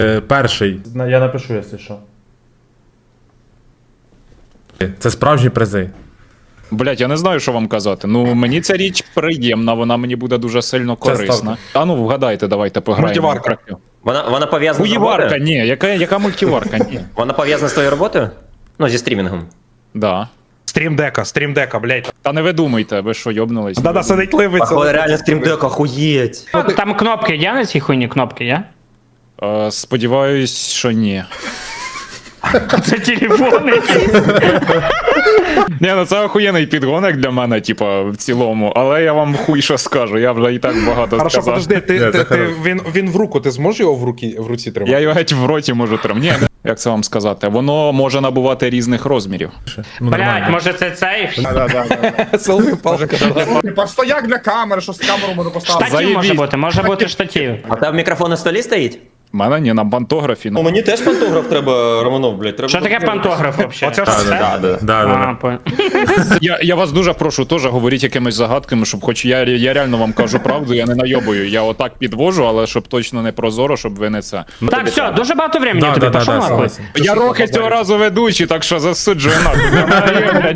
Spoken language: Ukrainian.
Перший. Я напишу, якщо що. Це справжні призи. Блять, я не знаю, що вам казати. Ну, мені ця річ приємна, вона мені буде дуже сильно корисна. А ну, вгадайте, давайте пограємо. Мультиварка. Вона пов'язана з Хуєварка, роботою? ні, яка мультиварка, ні. Вона пов'язана з твоєю роботою? Ну, зі стрімінгом. Да. Стрімдека, блядь. Та не ви думайте, ви що, йобнулись? Да-да, сидить ливиться. Походу, реально стрімдек, охуєть. Там кнопки є на цій хуйні, кнопки є? Сподіваюсь, що ні. Це телефон якийсь. Ні, ну це охуєнний підгонок для мене, типа, в цілому, але я вам хуй що скажу, я вже і так багато Хорошо, сказав. подожди, Це хорошо. він в руку, ти зможеш його в руці тримати? Я його геть в роті можу тримати. Ні, як це вам сказати? Воно може набувати різних розмірів. Блять, може це цей? Селфі палка. Типа стояк для камери, що з камеру можна поставити. Штатів може Заєбісь. бути, може бути штатів. А тебе мікрофон на столі стоїть? У мене ні, на пантографі. Ну, мені теж пантограф треба, Романов, блядь. Треба... Що таке пантограф взагалі? Оце ж все? Да. Я вас дуже прошу, теж говоріть якимись загадками, щоб хоч я реально вам кажу правду, я не найобую. Я отак підвожу, але щоб точно не прозоро, щоб ви не це. Так, все, дуже багато времени тобі, пошов нахуй. Я роки цього разу ведучий, так що засуджую нахуй.